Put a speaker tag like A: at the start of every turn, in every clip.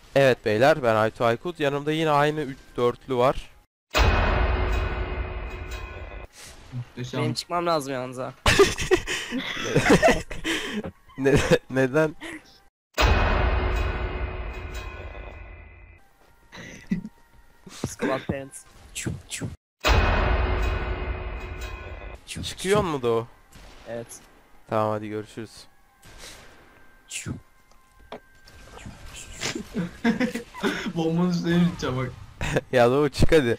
A: Evet beyler, ben Aytu Aykut. Yanımda yine aynı 3-4'lü var.
B: Benim
C: Muhteşem.
B: çıkmam lazım yalnız ha.
A: Ne- Neden?
B: Squad Parents. Çup çup.
A: Çıkıyor mu da o?
B: Evet.
A: Tamam, hadi görüşürüz.
B: Çup.
C: Bombanın üstüne gideceğim bak.
A: Ya Doğu, çık hadi.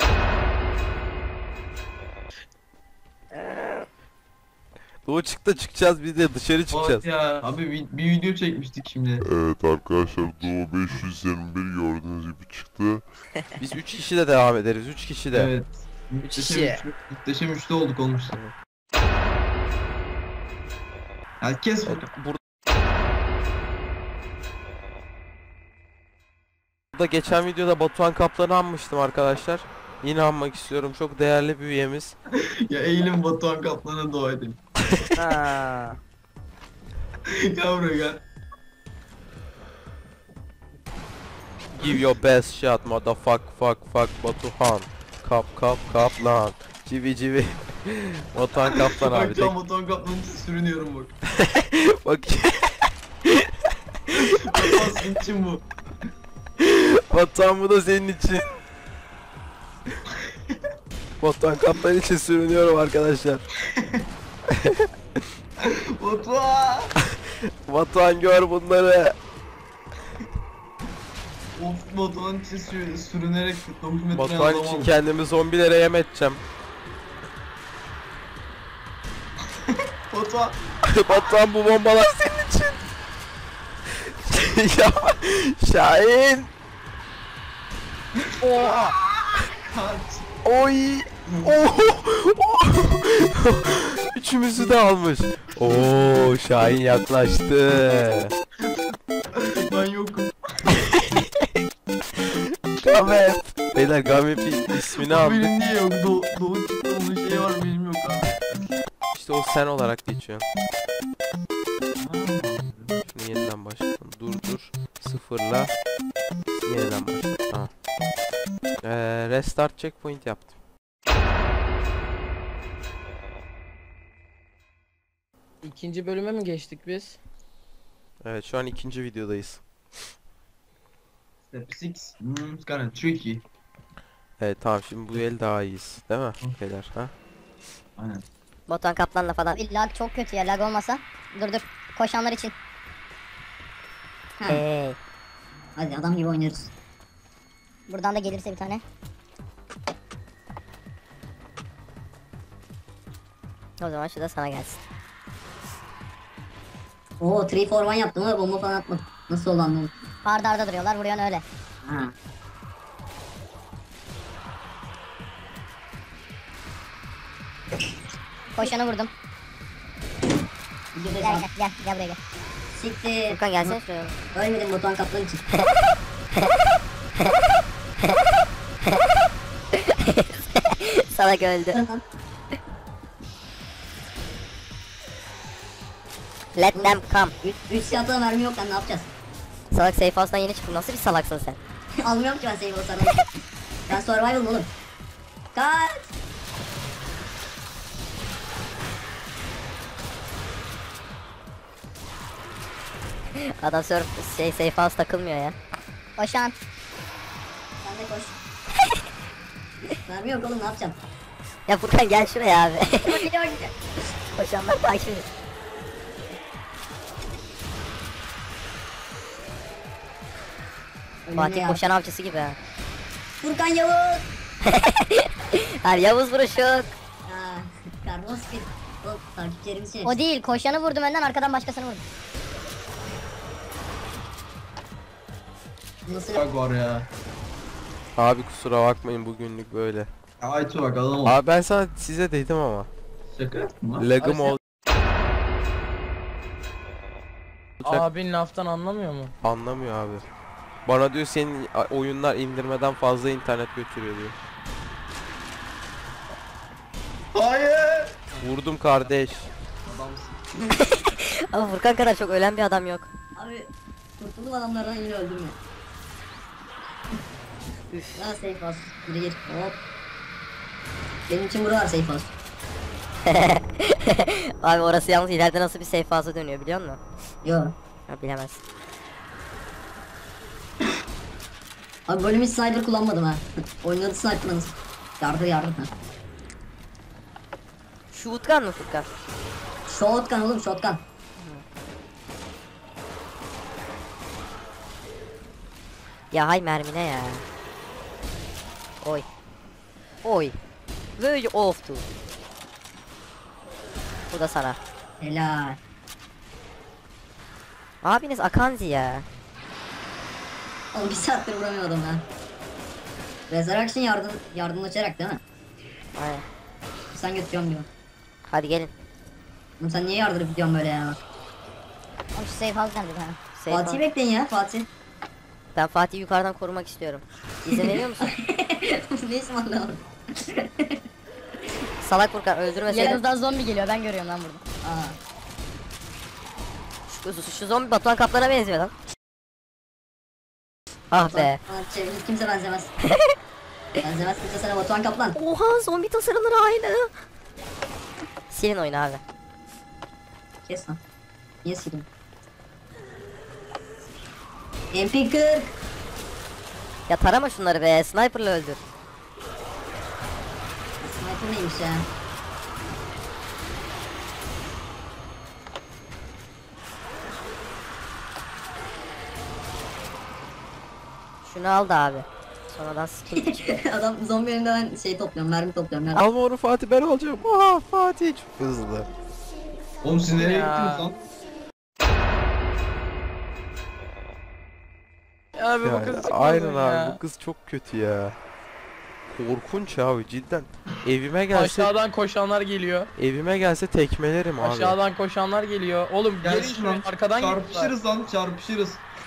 A: Doğu çık da çıkacağız, biz de dışarı çıkacağız.
C: Bak ya. Abi bir video çekmiştik şimdi.
D: Evet arkadaşlar, Doğu 521 gördüğünüz gibi çıktı.
A: Biz 3 kişi de devam ederiz, 3 kişi de.
C: Evet.
B: kişi.
C: Muhteşem üçlü olduk olmuş. Herkes
A: Evet, burada geçen videoda Batuhan Kaplan'ı anmıştım arkadaşlar. Yine anmak istiyorum, çok değerli bir üyemiz.
C: ya eğilim Batuhan Kaplan'a dua edelim.
B: Ha.
C: Gel buraya gel.
A: Give your best shot motherfuck fuck Batuhan. Kaplan. Civi civi. Batuhan Kaplan abi.
C: Bak tam Batuhan Kaplan'ın için sürünüyorum bak.
A: Bak.
C: Batuhan senin için bu.
A: Batuhan, bu da senin için. Batuhan Kaplan için sürünüyorum arkadaşlar.
C: Batuhan.
A: Batuhan, gör bunları.
C: Of, Batuhan için sürünerek 9 metre
A: Batuhan
C: adam
A: için
C: oldu.
A: kendimi zombilere yem edeceğim.
C: Batuhan.
A: Batuhan, bu bombalar senin için. Ya Şahin. Oha.
C: Kaç.
A: Oy. Oh. Üçümüzü de almış. Oo, Şahin yaklaştı.
C: Ben yokum.
A: Gamet. Beyler, Gamet'in ismini aldık.
C: Benim niye yok? Doğu çıktı, onun şeyi var, benim yok abi.
A: İşte o sen olarak geçiyorsun. Şimdi yeniden başlatalım. Dur. Sıfırla. Yeniden başlat. Tamam. Restart checkpoint yaptım.
B: İkinci bölüme mi geçtik biz?
A: Evet, şu an ikinci videodayız.
C: Step 6. It's kinda tricky.
A: Evet tamam, şimdi bu el daha iyiyiz. Değil mi beyler? Ha?
C: Aynen.
E: Batuhan Kaplan'la falan. Bir lag çok kötü ya, lag olmasa. Dur. Koşanlar için. Hey. Hadi adam gibi oynuyoruz. Buradan da gelirse bir tane. O zaman şu da sana gelsin.
F: Oo 3-4-1 yaptım ama bomba falan atmadım. Nasıl oldu anlamadım.
E: Arda arda duruyorlar, vuruyorsun öyle.
F: Ha.
E: Koşanı vurdum.
F: Videoda
E: Gel
F: sağ.
E: gel buraya gel.
F: Siktir.
E: Furkan gelsene şuraya.
F: Ölmedim Batuhan Kaplan için.
E: Salak öldü. Let them come.
F: 3 silahla mermi yok lan, ne yapacağız?
E: Salak, safe house'dan yeni çıktın. Nasıl bir salaksın sen?
F: Almıyorum ki ben save o sana. Ben survival'ım oğlum. Kaç.
E: Adam safe house takılmıyor ya. Koşan.
F: Sen de koş. Mermi yok oğlum, ne yapacağım?
E: Ya Furkan gel şuraya abi. Koşanlar takip ediyor.
F: Önümde
E: Fatih
F: ya.
E: koşan avcısı gibi ha.
F: Furkan Yavuz.
E: Abi Yavuz vuruşuk.
F: Aa, Carlos bir. O takipçilerimiz şey.
E: O değil, koşanı vurdum önden, arkadan başkasını vurdum.
F: Nasıl?
C: Bak var ya.
A: Abi kusura bakmayın, bugünlük böyle.
C: Aytu bak, adam ol.
A: Abi ben sana size dedim ama.
C: Şaka yaptın lan.
A: Lagım
B: Abi
A: olacak.
B: Abin laftan anlamıyor mu?
A: Anlamıyor abi. Bana diyor senin oyunlar indirmeden fazla internet götürüyor diyor.
C: Hayır.
A: Vurdum kardeş.
C: Adamsın.
E: Ama Furkan kadar çok ölen bir adam yok.
F: Abi kurtuldum adamlardan, yine öldüm ya. Ha safe house. Gir gir. Hop. Benim için buralar safe house.
G: Abi orası yalnız ileride nasıl bir safe house'a dönüyor biliyor musun?
F: Yo.
G: Ha, bilemezsin.
F: Abi bölüm hiç sniper kullanmadım ha. Oynadı sniper'ınız. Yardır ha.
G: Shotgun mı Furkan?
F: Shotgun oğlum shotgun.
G: Ya hay mermine ya. Oy. Oy. Böyle oftu. Bu da sana.
F: Helal.
G: Abiniz Akanzi ya.
F: Oğlum bir saattir vuramıyor adam ha. Resurrection yardımlaşarak değil mi?
G: Aynen.
F: Sen götürüyorum diyor.
G: Hadi gelin.
F: Oğlum sen niye yardırıp gidiyorsun böyle ya?
E: Oğlum şu safe house nerede ha?
G: Safe
F: Fatih'i
G: house.
F: bekleyin ya Fatih.
G: Ben Fatih'i yukarıdan korumak istiyorum. İzin veriyor musun?
F: Ne ısmarladın?
G: Salak Furkan öldürmeseydin.
E: Yanınızdan zombi geliyor ben görüyorum lan burada.
F: Aa.
G: Şu zombi Batuhan Kaplan'a benziyor lan. Ah be.
F: Hiç kimse benzemez. Benzemez kimse sana Batuhan Kaplan.
G: Oha zombi tasarımları aynı. Silin oyunu abi.
F: Kes lan. Niye sildim? MP40.
G: Ya tarama şunları be. Sniper'la öldür.
F: Sniper neymiş ya?
G: Şunu al da abi. Sonradan sıkıntı çıkıyor.
F: Adam zombi önünde ben şey topluyorum, mermi topluyorum. Mermi.
A: Alma onu Fatih, ben alacağım. Aa, Fatih çok hızlı.
C: Oğlum siz nereye
B: Ya.
C: gittiniz lan?
B: Abi bu
A: Yani,
B: kız çıkmaz
A: aynen
B: mı
A: abi,
B: ya?
A: bu kız çok kötü ya. Korkunç abi cidden. Evime gelse
B: Aşağıdan koşanlar geliyor.
A: evime gelse tekmelerim abi.
B: Aşağıdan koşanlar geliyor. Oğlum gelin
C: Gelsin
B: şuraya
C: lan.
B: arkadan geliyorlar.
C: Çarpışırız lan çarpışırız.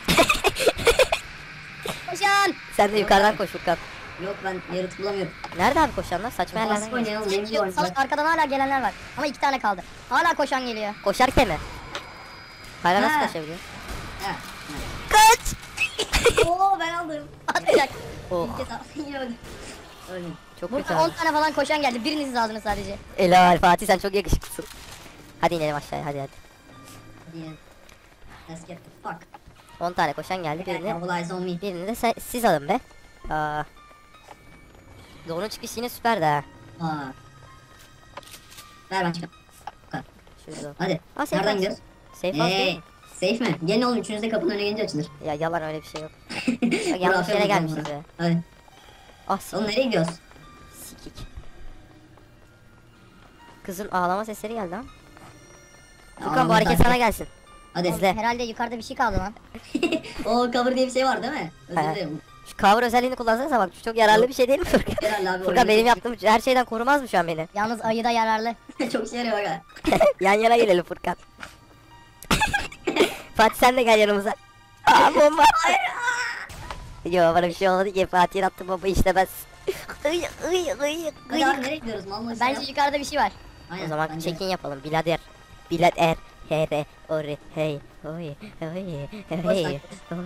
E: Koşan!
G: Sen de yukarıdan koş Furkan.
F: Yok ben yaratık bulamıyorum.
G: Nerede abi koşanlar? Saçma yerlerden
F: Baskı
G: geliyor.
F: oynayalım, benim gibi oyuncular.
E: Salak arkadan hala gelenler var. Ama 2 tane kaldı. Hala koşan geliyor.
G: Koşarken mi? Hala nasıl
F: Ha.
G: koşabiliyor?
F: Ha.
G: Kaç!
F: Oo ben aldım.
E: Atacak.
G: Oh,
F: İlk kez aldım yine öldüm. Öldüm.
G: çok kötü
E: Burada 10
G: abi.
E: tane falan koşan geldi. Biriniz aldınız sadece.
G: Helal Fatih, sen çok yakışıklısın. Hadi inelim aşağıya, hadi.
F: Diye. Let's get the fuck.
G: 10 tane koşan geldi, birini
F: All eyes on me.
G: de siz alın be. Aa. Doğunun çıkışı yine süperdi ha.
F: Aa. Ver ben çıkayım.
G: Şurada.
F: Hadi.
G: Aa, safe
F: Nereden
G: house.
F: gidiyoruz?
G: Safe house değil mi?
F: Safe mi? Gelin oğlum üçünüz de kapının önüne gelince açılır.
G: Ya yalan, öyle bir şey yok. Bak, yanlış
F: Burası
G: yere
F: yok
G: gelmişiz
F: burada.
G: be.
F: Hadi.
G: Ah
F: Oğlum
G: sikik.
F: nereye gidiyoruz?
G: Sikik. Kızın ağlama sesleri geldi ha. Furkan bu
F: Ağlama
G: hareket
F: takip.
G: sana gelsin.
F: Hadi.
G: İzle.
E: Herhalde yukarıda bir şey kaldı lan.
F: O cover diye bir şey var değil mi? Özür
G: He.
F: dilerim.
G: Şu cover özelliğini kullansanıza, bak çok yararlı bir şey değil mi Furkan?
F: Herhalde abi.
G: Furkan benim yaptığım her şeyden korumaz mı şu an beni?
E: Yalnız ayı da yararlı.
F: Çok işe yarıyor aga.
G: Yan yana gelelim Furkan. Fatih sen de gel yanımıza. Aa bomba. Yo bana bir şey olmadı ki, Fatih'in attığı bomba işlemez. Iy ıy ıy
F: Hadi abi
G: ıy.
F: nereye gidiyoruz? Mal mı?
E: Bence yukarıda bir şey var.
F: Aynen,
G: O zaman
F: bence de.
G: check-in yapalım birader. Birader. Here, ori, hey, oy, oy, hey,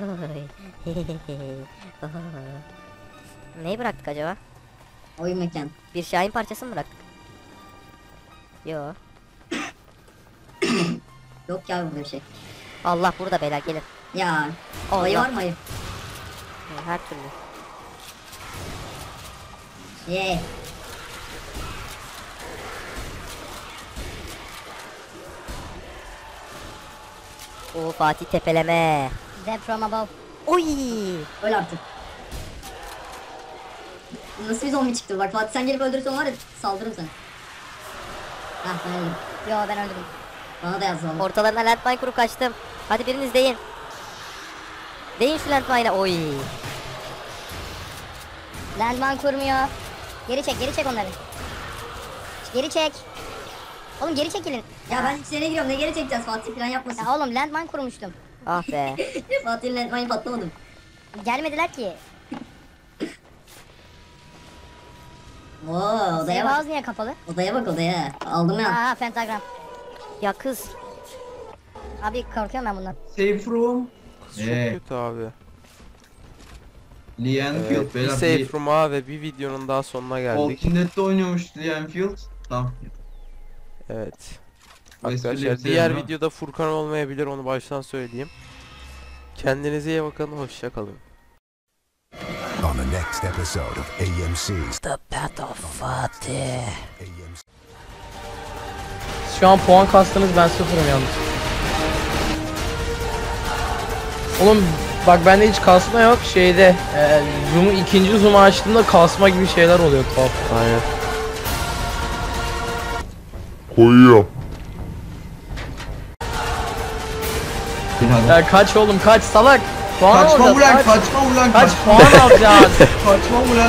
G: oy. Neyi bıraktık acaba?
F: Oyun mekan.
G: Bir Şahin parçası mı bıraktık? Yo.
F: Yok ya burada bir şey.
G: Allah burada beyler, gelin.
F: Ya.
G: Allah.
F: Ayı var mı ayı?
G: Her türlü.
F: Ye.
G: Oo Fatih tepeleme.
E: Death from above.
G: Oy.
F: Öl artık. Nasıl bir zombi çıktı? Bak Fatih sen gelip öldürürsen var ya saldırırım sana. Hah ben öldüm.
E: Yo ben öldürdüm.
F: Bana da yaz valla.
G: Ortalarına landmine kurup kaçtım. Hadi biriniz deyin. Deyin şu landmine'e. Oy.
E: Landman kurmuyor. Geri çek onları. Geri çek. Oğlum geri çekilin.
F: Ya ben içeri giriyorum ne geri çekeceğiz Fatih plan yapmasın.
E: Ya oğlum landman kurmuştum.
G: Ah be.
F: Fatih'in landmine patlamadım.
E: Gelmediler ki.
F: Oo odaya
E: Safe
F: bak.
E: house niye kapalı?
F: Odaya bak odaya. Aldım ya.
E: Aa pentagram.
G: Ya kız.
E: Abi korkuyorum ben bundan.
C: Safe room.
A: Kız çok kötü abi.
C: Lee Enfield
A: Evet, bir
C: beyler.
A: safe room'a ve bir videonun daha sonuna geldik.
C: Walking Dead'de oynuyormuş Lee Enfield. Tamam.
A: Evet.
C: Bu espriyle
A: Arkadaşlar
C: bitirelim,
A: diğer
C: değil mi?
A: videoda Furkan olmayabilir, onu baştan söyleyeyim. Kendinize iyi bakın, hoşça kalın.
H: On the next episode of AMC's
G: The Battle Fatih.
H: AMC.
B: Şu an puan kastınız, ben sıfırım yalnız. Oğlum bak bende hiç kasma yok şeyde. Zoom'u ikinci zoom'u açtığımda kasma gibi şeyler oluyor tuhaf.
A: Aynen.
D: Koyuyorum.
B: Ya kaç oğlum kaç salak. Puan
C: Kaçma
B: alacağız,
C: ulan,
B: kaç.
C: kaçma ulan,
B: Kaç
C: kaçma.
B: puan alacağız?
C: Kaçma ulan.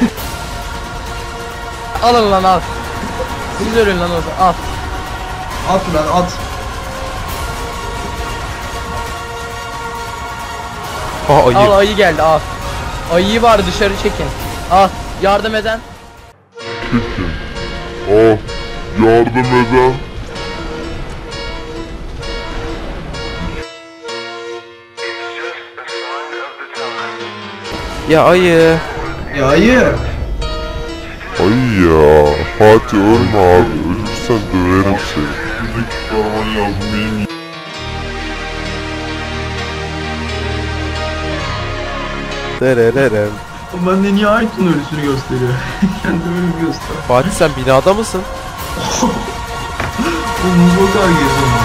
B: Alın lan al. Siz ölün lan o zaman al.
C: At ulan, at.
A: Ha
B: Al ayı geldi al. Ayıyı var dışarı çekin. Al yardım eden.
D: Çekin. Al. Yardım eden.
A: Ya ayı.
C: Ya ayı.
D: Ay ya. Fatih ölme abi. Ölürsen döverim seni. Buradaki kahraman yazmayayım.
A: Derererem.
C: O bende niye Aytun ölüsünü gösteriyor? Kendi ölümü göster.
A: Fatih sen binada mısın?
C: Bu muzlu kadar geziyorum.